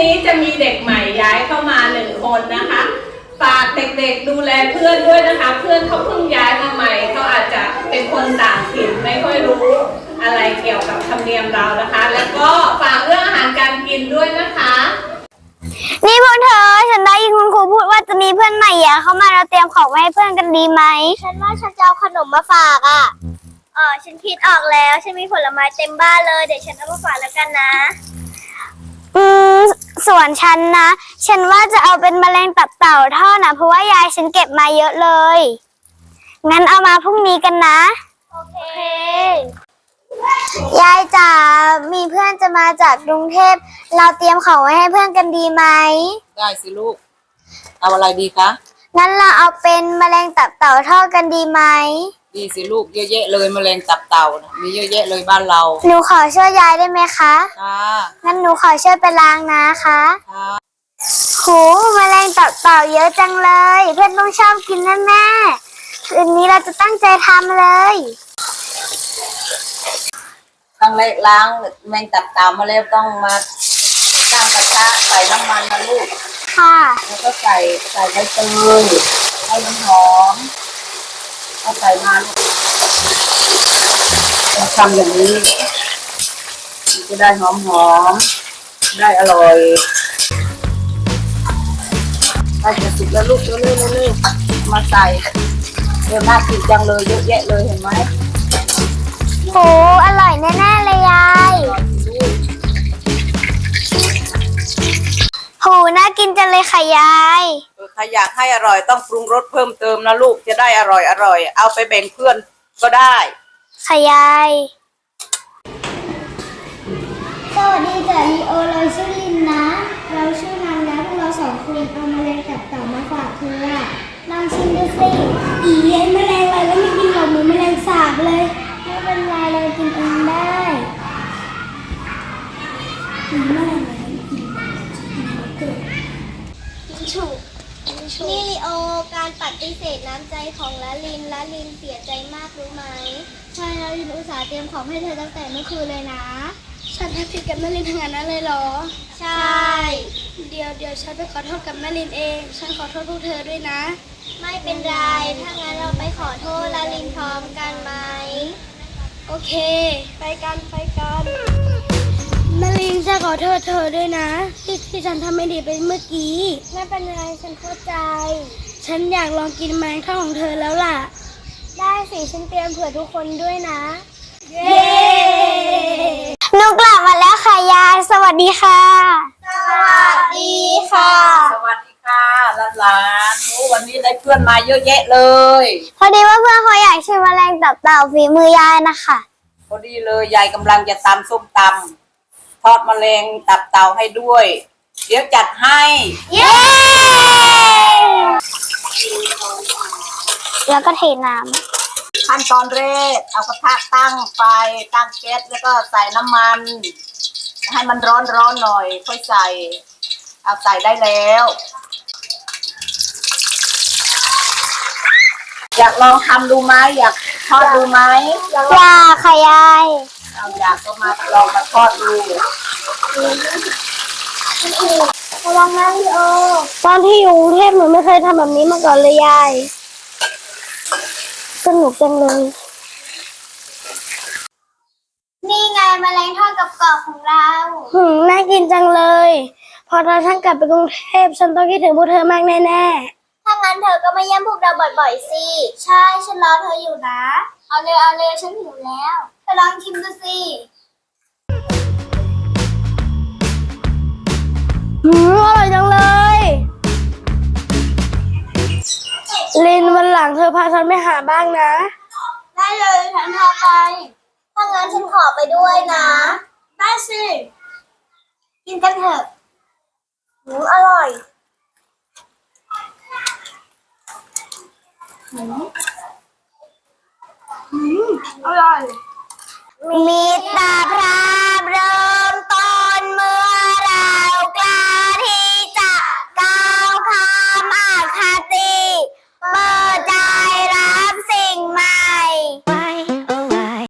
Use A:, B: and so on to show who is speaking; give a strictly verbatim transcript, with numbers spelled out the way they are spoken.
A: นี้จะมีเด็กใหม่ย้ายเข้ามาหนึ่งคนนะคะฝากเด็กๆดูแลเพื่อนด้วยนะคะเพื่อนเขาเพิ่งย้ายมาใหม่เขาอาจจะเป็นคนต่างถิ่นไม่ค่อยรู้อะไรเกี่ยวกับธรรมเนียมเรานะคะ แล้วก็ฝากเรื่องอาหารการกินด้วยนะคะ
B: นี่พวกเธอฉันได้ยินคุณครูพูดว่าจะมีเพื่อนใหม่อ่ะเข้ามาเราเตรียมของไว้ให้เพื่อนกันดีไหมฉันว่าฉันจะเอาขนมมาฝากอ่ะอ๋อฉันคิดออกแล้วฉันมีผลไม้เต็มบ้านเลยเดี๋ยวฉันเอามาฝากแล้วกันนะอืมส่วนฉันนะฉันว่าจะเอาเป็นแมลงตับเต่าทอดนะเพราะว่ายายฉันเก็บมาเยอะเลยงั้นเอามาพรุ่งนี้กันนะโอเคยายจ๋ามีเพื่อนจะมาจากกรุงเทพเราเตรียมของไว้ให้เพื่อนกันดีไหม
C: ได้สิลูกเอาอะไรดีคะ
B: งั้นเราเอาเป็นแมลงตับเต่าทอดกันดีไหม
C: ดีสิลูกเยอะแยะเลยแมลงตับเต่ามีเยอะแยะเลยบ้านเรา
B: หนูขอช่วยยายได้ไหมคะ
C: ค่ะ
B: งั้นหนูขอช่วยไปล้างนะคะ
C: ค่ะ
B: โหแมลงตับเต่าเยอะจังเลยเพื่อนต้องชอบกินแน่ๆคืนนี้เราจะตั้งใจทำเลย
C: ต้องล้างแมงตับเต่ามาแล้วต้องมาตั้งกระทะใส่น้ำมันนะลูก
B: ค่ะ
C: แล้วก็ใส่ใส่ใบเตยให้มันหอมเอาใส่มาเราทำอย่างนี้จะได้หอมหอมได้อร่อยได้จะสุกแล้วลูกเร็วเร็วเร็วมาใส่เดี๋ยวน่ากินจังเลยเยอะแยะเลยเห็นไหม
B: โหอร่อยแน่ๆเลยยายโหน่ากินจังเลยค่ะยาย
C: ถ้าอยากให้อร่อยต้องปรุงรสเพิ่มเติมนะลูกจะได้อร่อยอร่อยเอาไปแบ่งเพื่อนก็ได้
B: ค่ะยายสวัสดีจ้ะลีโอเราชื่อลินนะเราชื่อนันนะพวกเราสองคนเอาแมลงตับเต่ามาฝากเธอลองชิมดูสิอีเย็นแมลงอะไรแล้วไม่กินหรอกเหมือนแมลงสาบเลยไม่เป็นไรเรากินเองได้แมลงอะไรกินกินฉุกนี่ลีโอการปฏิเสธน้ำใจของละลินละลินเสียใจมากรู้ไหมใช่ละลินอุตส่าห์เตรียมของให้เธอตั้งแต่เมื่อคืนเลยนะฉันทำผิดกับแม่ลินทั้งนั้นเลยเหรอใช่เดี๋ยวเดี๋ยวฉันไปขอโทษกับแม่ลินเองฉันขอโทษพวกเธอด้วยนะไม่เป็นไรถ้างั้นเราไปขอโทษละลินพร้อมกันไหมโอเคไปกันไปกันแม่ลินฉันขอโทษเธอด้วยนะที่ที่ฉันทำไม่ดีไปเมื่อกี้ไม่เป็นไรฉันเข้าใจฉันอยากลองกินแมงข้าวของเธอแล้วล่ะได้สิฉันเตรียมเผื่อทุกคนด้วยนะเย้หนูกลับมาแล้วค่ะยายสวัสดีค่ะสวัสดีค่ะ
C: สวัสดีค่ะหลานๆโอ้วันนี้ได้เพื่อนมาเยอะแยะเลย
B: พอดีว่าเพื่อนเขาอยากชิมแมลงตับเต่าฝีมือยายนะคะ
C: พอดีเลยยายกำลังจะตำส้มตำทอดแมลงตับเต่าให้ด้วยเดี๋ยวจัดให้
B: เย้แล้วก็เทน้ำ
C: ขั้นตอนแรกเอากระทะตั้งไฟตั้งแก๊สแล้วก็ใส่น้ำมันให้มันร้อนร้อนหน่อยค่อยใส่เอาใส่ได้แล้วอยากลองทำดูไหมอยากทอดดูไหม
B: อยากค่ะยาย
C: เอาอยากก็มาลองมาทอดดู
B: ระวังนะพี่โอตอนที่อยู่กรุงเทพหนูไม่เคยทำแบบนี้มาก่อนเลยยายสนุกจังเลยนี่ไงแมลงทอดกับกรอบของเราหืมน่ากินจังเลยพอเราทั้งกลับไปกรุงเทพฉันต้องคิดถึงพวกเธอมากแน่ๆถ้างั้นเธอก็มาเยี่ยมพวกเราบ่อยๆสิใช่ฉันรอเธออยู่นะเอาเลยเอาเลยฉันหิวแล้วเธอลองชิมดูสิหืมอร่อยจังเลยลินวันหลังเธอพาฉันไปหาบ้างนะได้เลยฉันพาไปถ้างั้นฉันขอไปด้วยนะได้สิกินกันเถอะหืมอร่อยหืมหืมอร่อยมีตาพระ